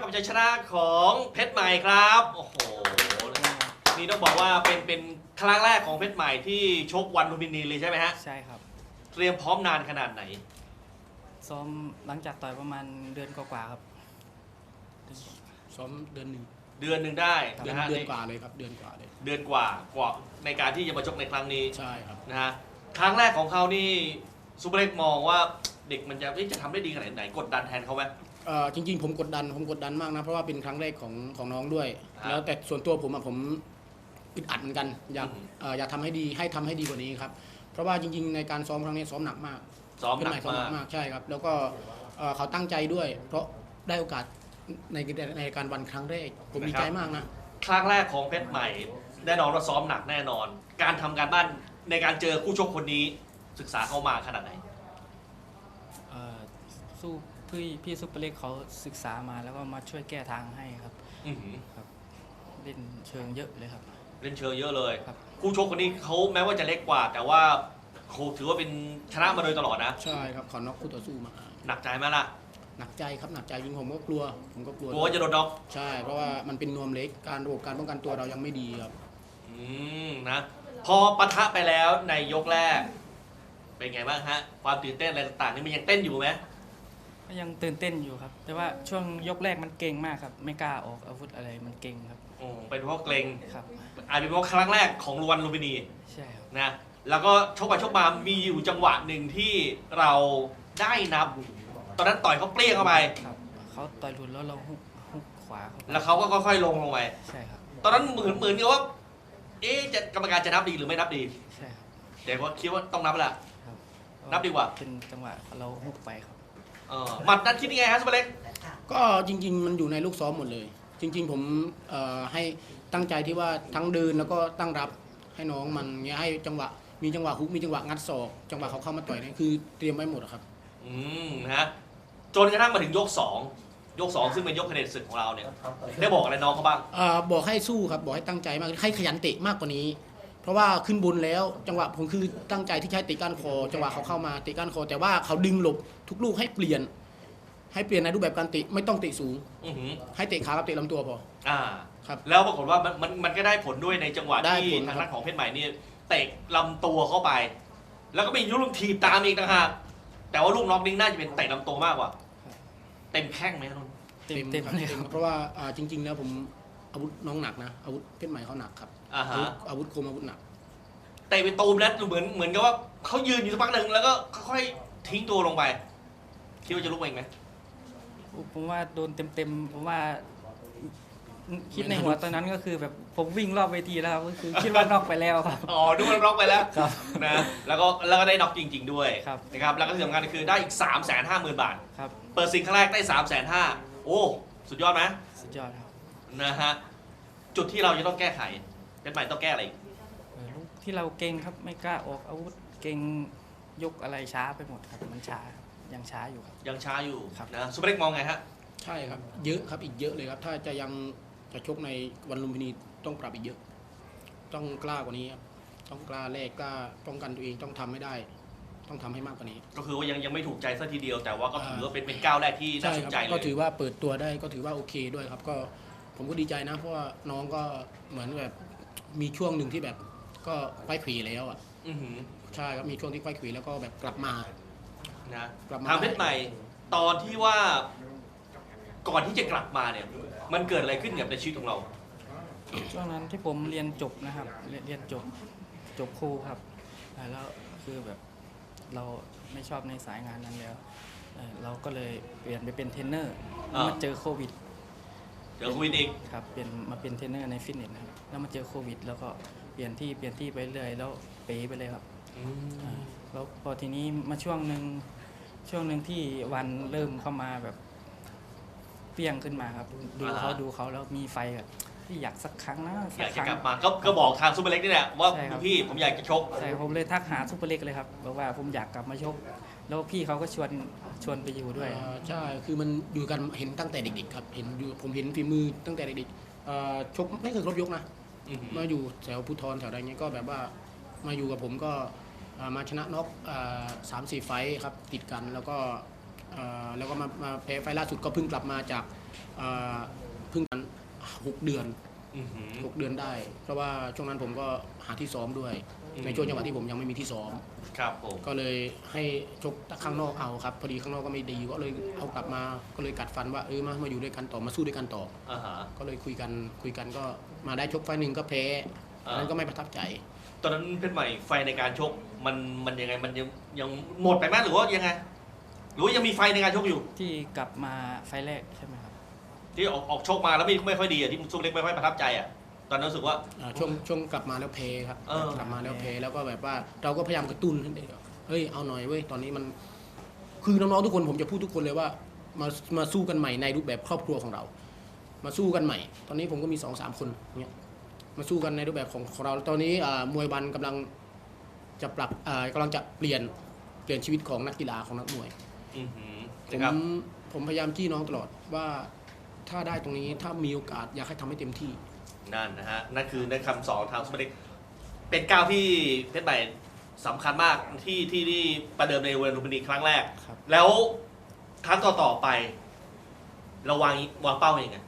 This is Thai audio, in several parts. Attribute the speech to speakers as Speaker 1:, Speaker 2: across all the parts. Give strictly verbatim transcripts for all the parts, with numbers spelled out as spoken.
Speaker 1: กับชัยชนะของเพชรใหม่ครับโอ้โหนี่ต้องบอกว่าเป็นเป็นครั้งแรกของเพชรใหม่ที่ชกวันลุมพินีเลยใช่ไหมฮะ
Speaker 2: ใช่ครับ
Speaker 1: เตรียมพร้อมนานขนาดไหน
Speaker 2: ซ้อมหลังจากต่อยประมาณเดือนกว่าๆครับ
Speaker 3: ซ้อมเดือนหนึ่ง
Speaker 1: เดือนหนึ่งได้
Speaker 3: เดือน
Speaker 1: นะฮะ
Speaker 3: เดือนกว่าเลยครับเดือนกว่าเลย
Speaker 1: เดือนกว่ากว่าในการที่จะมาชกในครั้งนี้
Speaker 3: ใช่ครับ
Speaker 1: นะฮะครั้งแรกของเขานี่ซูเปอร์เล็กมองว่าเด็กมันจะจะทำได้ดีขนาดไหนกดดันแทนเขาไหม
Speaker 3: เอ่อจริงๆผมกดดันผมกดดันมากนะเพราะว่าเป็นครั้งแรกของของน้องด้วยแล้วแต่ส่วนตัวผมอะผมอึดอัดเหมือนกันอยากเอ่ออยากทำให้ดีให้ทำให้ดีกว่านี้ครับเพราะว่าจริงๆในการซ้อมครั้งนี้ซ้อมหนักมาก
Speaker 1: ซ้อมหนัก
Speaker 3: มากใช่ครับแล้วก็เขาตั้งใจด้วยเพราะได้โอกาสในในการวันครั้งแรกผมดีใจมากนะ
Speaker 1: ครั้งแรกของเพชรใหม่แน่นอนว่าซ้อมหนักแน่นอน การทำการบ้านในการเจอคู่ชกคนนี้ศึกษาเข้ามาขนาดไหน
Speaker 2: สู้พี่พี่ซุปเปอร์เล็กเขาศึกษามาแล้วก็มาช่วยแก้ทางให้ครับครับเล่นเชิงเยอะเลยครับ
Speaker 1: เล่นเชิงเยอะเลย
Speaker 2: ครับ
Speaker 1: คู่ชกคนนี้เขาแม้ว่าจะเล็กกว่า แต่ว่าเขาถือว่าเป็นชนะมาโดยตลอดนะ
Speaker 3: ใช่ครับเขาน็อกคู่ต่อสู้มา
Speaker 1: หนักใจไหมล่ะ
Speaker 3: หนักใจครับหนักใจจริงผมก็กลัวผมก็กลัว
Speaker 1: กลัวจะโดนน็อก
Speaker 3: ใช่เพราะว่ามันเป็นนวมเล็กการระบบการป้องกันตัวเรายังไม่ดีครับ
Speaker 1: อืมนะพอปะทะไปแล้วในยกแรกเป็นไงบ้างฮะความตื่นเต้นอะไรต่างๆนี่มันยังเต้นอยู่ไหม
Speaker 2: ก็ยังตื่นเต้นอยู่ครับแต่ว่าช่วงยกแรกมันเก่งมากครับไม่กล้าออกอาวุธอะไรมันเก่งครับ
Speaker 1: โอ้เป็นเพราะเกรง
Speaker 2: ครับ
Speaker 1: อาจเป็นเพราะครั้งแรกของวันลุมพินี
Speaker 2: ใช่ครับ
Speaker 1: นะแล้วก็ชกไปชกมามีอยู่จังหวะหนึ่งที่เราได้นับตอนนั้นต่อยเขาเปรี้ยงเข้าไป
Speaker 2: ครับเขาต่อยหลุดแล้วเราฮุกฮุกขวา
Speaker 1: แล้วเขาก็ค่อยๆลงลงไป
Speaker 2: ใช่ครับ
Speaker 1: ตอนนั้นเหมือนเหมือนกับว่าเอ๊ะจะกรรมการจะนับดีหรือไม่นับดี
Speaker 2: ใช่ครับ
Speaker 1: แต่ว่าคิดว่าต้องนับแหละนับดีกว่า
Speaker 2: เป็นจังหวะเราฮุกไปครับ
Speaker 1: เออหมัดนั้นคิดยังไงฮะสุเปอร์เล็ก
Speaker 3: ก็จริงๆมันอยู่ในลูกซ้อมหมดเลยจริงๆผมให้ตั้งใจที่ว่าทั้งเดินแล้วก็ตั้งรับให้น้องมันเงี้ยให้จังหวะมีจังหวะฮุกมีจังหวะงัดศอกจังหวะเขาเข้ามาต่อยนี่คือเตรียมไว้หมดครับ
Speaker 1: อืมนะฮะจนกระทั่งมาถึงยกสองยกสองซึ่งเป็นยกคะแนนศึกของเราเนี่ยได้บอกอะไรน้องเขาบ้าง
Speaker 3: อ่าบอกให้สู้ครับบอกให้ตั้งใจมากให้ขยันเตะมากกว่านี้เพราะว่าขึ้นบนแล้วจังหวะผมคือตั้งใจที่ใช้เตะก้านคอจังหวะเขาเข้ามาเตะก้านคอแต่ว่าเขาดึงหลบทุกลูกให้เปลี่ยนให้เปลี่ยนในรูปแบบการเตะไม่ต้องเตะสูงให้เตะขากับเตะลำตัวพอ
Speaker 1: อ่า
Speaker 3: ครับ
Speaker 1: แล้วปรากฏว่ามันมันมันก็ได้ผลด้วยในจังหวะที่ทางด้านของเพชรใหม่นี่เตะลำตัวเข้าไปแล้วก็มีลูกทีบตามอีกนะฮะแต่ว่าลูกน็อกนิ่งน่าจะเป็นเตะลำตัวมากกว่าเต็มแข้งไหมนุ่น
Speaker 3: เต็มเต็มเลยครับเพราะว่าจริงๆแล้วผมอาวุธน้องหนักนะอาวุธเพชรใหม่เขาหนักครับอาวุธคมอาวุธหนัก
Speaker 1: เตะไปตูมแล้วเหมือนเหมือนกับว่าเขายืนอยู่สักพักหนึ่งแล้วก็ค่อยๆทิ้งตัวลงไปคิดว่าจะลุกเองไหม
Speaker 2: ผมว่าโดนเต็มๆผมว่าคิดในหัวตอนนั้นก็คือแบบผมวิ่งรอบเวทีแล้วก็คือคิดว่านอกไปแล้วครับ
Speaker 1: อ๋อดูมันน็อกไปแล้วนะแล้วก็แล้วก็ได้น็อกจริงๆด้วยนะครับแล้วก็ที่สำคัญคือได้อีกสามแสนห้าหมื่นบาท
Speaker 2: ครับ
Speaker 1: เปิดซิงครั้งแรกได้สามแสนห้าโอ้สุดยอดไหม
Speaker 2: สุดยอดครับ
Speaker 1: นะฮะจุดที่เราจะต้องแก้ไขเป็นใหม่ต้องแก้อะไร
Speaker 2: ที่เราเก่งครับไม่กล้าออกอาวุธเก่งยกอะไรช้าไปหมดครับมันช้ายังช้าอยู่ครับ
Speaker 1: ยังช้าอยู่
Speaker 2: ครับ
Speaker 1: นะซุปเปอร์เล็กมองไงฮะ
Speaker 3: ใช่ครับเยอะครับอีกเยอะเลยครับถ้าจะยังจะชกในวันลุมพินีต้องปรับอีกเยอะต้องกล้ากว่านี้ครับต้องกล้าแลกกล้าป้องกันตัวเองต้องทำให้ได้ต้องทำให้มากกว่านี้
Speaker 1: ก็คือว่ายังยังไม่ถูกใจซะทีเดียวแต่ว่าก็ถือว่าเป็นเป็นก้าวแรกที่น่าสนใจเลย
Speaker 3: ก็ถือว่าเปิดตัวได้ก็ถือว่าโอเคด้วยครับก็ผมก็ดีใจนะเพราะว่าน้องก็เหมือนแบบมีช่วงหนึ่งที่แบบก็ไขว้เขวแล้วอ่ะใช่ครับมีช่วงที่ไขว้เขวแล้วก็แบบกลับมา
Speaker 1: นะทางเพชรใหม่ตอนที่ว่าก่อนที่จะกลับมาเนี่ยมันเกิดอะไรขึ้นกับในชีวิตของเรา
Speaker 2: ช่วงนั้นที่ผมเรียนจบนะครับเรียนจบจบครูครับแล้วคือแบบเราไม่ชอบในสายงานนั้นแล้วเราก็เลยเปลี่ยนไปเป็นเทรนเนอร์มาเจอโควิด
Speaker 1: เจอโควิดอีก
Speaker 2: ครับเปลี่ยนมาเป็นเทรนเนอร์ในฟิตเนสนะครับแล้วมาเจอโควิดแล้วก็เปลี่ยนที่เปลี่ยนที่ไปเรื่อยแล้วเป๋ไปเลยครับแล้วพอทีนี้มาช่วงหนึ่งช่วงหนึ่งที่วันเริ่มเข้ามาแบบเปรี้ยงขึ้นมาครับดูเขาดูเขาแล้วมีไฟแบบที่อยากสักครั้งนะ
Speaker 1: อยากจะกลับมาก็ก็บอกทางซุปเปอร์เล็กนี่แหละว่าพี่ผมอยากจะชก
Speaker 2: ใช่ผมเลยทักหาซุปเปอร์เล็กเลยครับบอกว่าผมอยากกลับมาชกแล้วพี่เขาก็ชวนชวนไปอยู่ด้วย
Speaker 3: ใช่คือมันอยู่กันเห็นตั้งแต่เด็กๆครับเห็นอยู่ผมเห็นฝีมือตั้งแต่เด็กๆชกไม่เคยครบยกนะมาอยู่แถวภูทรแถวอะไรเงี้ยก็แบบว่ามาอยู่กับผมก็มาชนะน็อกสามสี่ไฟท์ครับติดกันแล้วก็เอ่อแล้วก็มามาแพ้ไฟล์ล่าสุดก็เพิ่งกลับมาจากเอ่อเพิ่งกันหกเดือน
Speaker 1: อื้อหือ
Speaker 3: หกเดือนได้ เพราะว่าช่วงนั้นผมก็หาที่ซ้อมด้วย
Speaker 1: อืม
Speaker 3: ในช่วงจังหวะที่ผมยังไม่มีที่ซ้อม
Speaker 1: ครับผม
Speaker 3: ก็เลยให้ชกข้างนอกเอาครับพอดีข้างนอกก็ไม่ดีก็เลยเอากลับมาก็เลยกัดฟันว่าเออมามาอยู่ด้วยกันต่อมาสู้ด้วยกันต่อ
Speaker 1: อ่าฮะ
Speaker 3: ก็เลยคุยกันคุยกันก็มาได้ชกไฟล์หนึ่งก็แพ้
Speaker 1: อ่า
Speaker 3: นั้นก็ไม่ประทับใจ
Speaker 1: ตอนนั้นเพชรใหม่ไฟในการชกมันมันยังไงมันยังยังหมดไปไหมหรือว่ายังไง หรือว่ายังมีไฟในการชกอยู่
Speaker 2: ที่กลับมาไฟล์แรกใช่ไหมครับ
Speaker 1: ที่ออกออกชกมาแล้วไม่ไม่ค่อยดีอ่ะที่ซุปเล็กไม่ค่อยประทับใจอ่ะตอนนั้นรู้สึกว่า
Speaker 3: อ่าช่วงช่วงกลับมาแล้วเพครับ
Speaker 1: เออ
Speaker 3: กลับมาแล้วเพแล้วก็แบบว่าเราก็พยายามกระตุ้นให้เด็กเฮ้ยเอาหน่อยเว้ยตอนนี้มันคือน้องๆทุกคนผมจะพูดทุกคนเลยว่ามามาสู้กันใหม่ในรูปแบบครอบครัวของเรา มาสู้กันใหม่ ตอนนี้ผมก็มีสองสามคนเนี่ยมาสู้กันในรูปแบบของของเราตอนนี้อ่ามวยบันกำลังจะปรับอ่ากำลังจะเปลี่ยนเปลี่ยนชีวิตของนักกีฬาของนักมวย
Speaker 1: อือหือ
Speaker 3: ผ
Speaker 1: นะ
Speaker 3: ม
Speaker 1: ครับ
Speaker 3: ผมพยายามจี้น้องตลอดว่าถ้าได้ตรงนี้ถ้ามีโอกาสอยากให้ทำให้เต็มที่
Speaker 1: นั่นนะฮะนั่นคือในคำสอนทางซุปเปอร์เล็กเป็นก้าวที่เพชรใหม่สำคัญมากที่ที่ที่ประเดิมในเวทีลุมพินีครั้งแรก
Speaker 2: ครับ
Speaker 1: แล้วครั้งต่อๆไป เราวางวางเป้ายังไง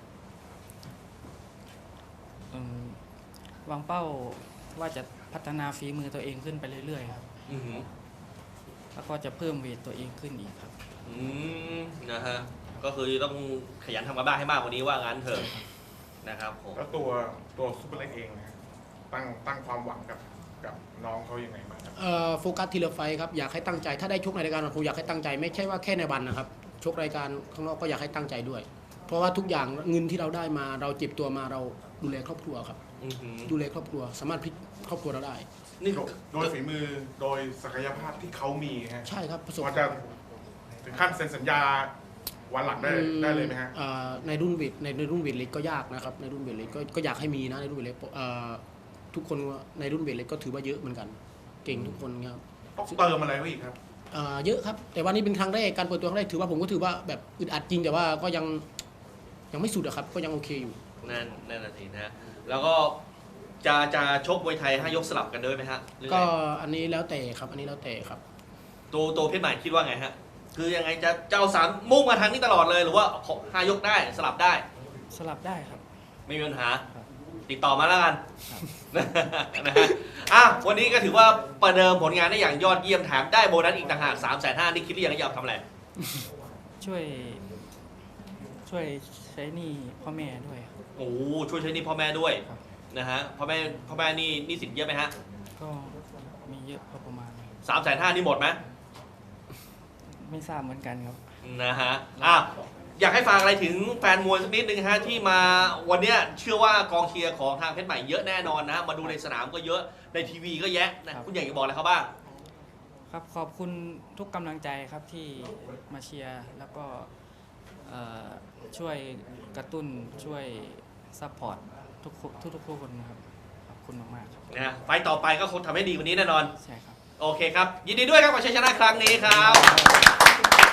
Speaker 2: อืมวางเป้าว่าจะพัฒนาฝีมือตัวเองขึ้นไปเรื่อยๆครับ
Speaker 1: อือหือ
Speaker 2: แล้วก็จะเพิ่มเวทตัวเองขึ้นอีกครับ
Speaker 1: อืมนะฮะก็คือต้องขยันทำกันบ้านให้มากกว่านี้ว่างั้นเถอะนะครับผม
Speaker 4: แล้วตัวตัวซุปเปอร์เล็กเองนะตั้งตั้งความหวังกับกับน้องเขายังไงบ้างครับ
Speaker 3: เอ่อโฟกัสทีละไฟท์ครับอยากให้ตั้งใจถ้าได้ชกในรายการผมอยากให้ตั้งใจไม่ใช่ว่าแค่ในวันนะครับชกรายการข้างนอกก็อยากให้ตั้งใจด้วย เพราะว่าทุกอย่างเงินที่เราได้มาเราเจ็บตัวมาเราดูแลครอบครัวครับ
Speaker 1: อือหือ
Speaker 3: ดูแลครอบครัวสามารถพลิกครอบครัวเราได้
Speaker 1: นี่
Speaker 4: โดยโดยฝีมือโดยศักยภาพที่เขามีฮะ
Speaker 3: ใช่ครับประสบ
Speaker 4: ว่าจะถึงขั้นเซ็นสัญญาวันหลังได้ได้เลยไหมฮะ
Speaker 3: อ่าในรุ่นเวทในในรุ่นเวทเล็กก็ยากนะครับในรุ่นเวทเล็กก็ก็อยากให้มีนะในรุ่นเวทเล็กเอ่อทุกคนในรุ่นเวทเล็กก็ถือว่าเยอะเหมือนกัน เก่งทุกคนครับ
Speaker 4: ต้องเติมอะไรไว้อีกครับ
Speaker 3: อ่าเยอะครับแต่ว่านี่เป็นครั้งแรกการเปิดตัวครั้งแรกถือว่าผมก็ถือว่าแบบอึดอัดจริงแต่ว่าก็ยังยังไม่สุดอะครับก็ยังโอเคอยู่
Speaker 1: นั่นนั่นน่ะสินะฮะแล้วก็จะจะชกมวยไทยห้ายกสลับกันด้วยไหมฮะหรือไง
Speaker 3: ก็อันนี้แล้วแต่ครับอันนี้แล้วแต่ครับ
Speaker 1: ตัวตัวเพชรใหม่คิดว่าไงฮะคือยังไงจะจะเอาสามมุ่งมาทางนี้ตลอดเลยหรือว่าขอห้ายกได้สลับได้
Speaker 2: สลับได้ครับ
Speaker 1: ไม่มีปัญหา
Speaker 2: ครับ
Speaker 1: ติดต่อมาแล้วกัน
Speaker 2: ครับ
Speaker 1: นะฮะอ่ะวันนี้ก็ถือว่าประเดิมผลงานได้อย่างยอดเยี่ยมแถมได้โบนัสอีกต่างหากสามแสนห้านี่คิดหรือยังว่าจะเอาทำอะไร
Speaker 2: ช่วย ช่วยใช้หนี้พ่อแม่ด้วยครับ
Speaker 1: โอ้โหช่วยใช้หนี่พ่อแม่ด้วย
Speaker 2: ครับ
Speaker 1: นะฮะพ่อแม่พ่อแม่นี่หนี่สินเยอะไหมฮะ
Speaker 2: ก็มีเยอะพอประมาณครับ
Speaker 1: สามแสนห้านี่หมดไหม
Speaker 2: ไม่ทราบเหมือนกันครับ
Speaker 1: นะฮะอ่ะอยากให้ฝากอะไรถึงแฟนมวยสักนิดนึงฮะที่มาวันเนี้ยเชื่อว่ากองเชียร์ของทางเพชรใหม่เยอะแน่นอนนะฮะมาดูในสนามก็เยอะในทีวีก็แยะนะครับ คุณใหญ่จะบอกอะไรเขาบ้าง
Speaker 2: ครับขอบคุณทุกกำลังใจครับที่มาเชียร์แล้วก็เอ่อช่วยกระตุ้นช่วยซัพพอร์ตทุกคนทุกๆคนนะครับขอบคุณมากๆครับ
Speaker 1: นะฮะไฟต์ต่อไปก็คงทำให้ดีกว่านี้แน่นอน
Speaker 2: ใช่ครับ
Speaker 1: โอเคครับ ยินดีด้วยครับกับชัยชนะครั้งนี้ครับ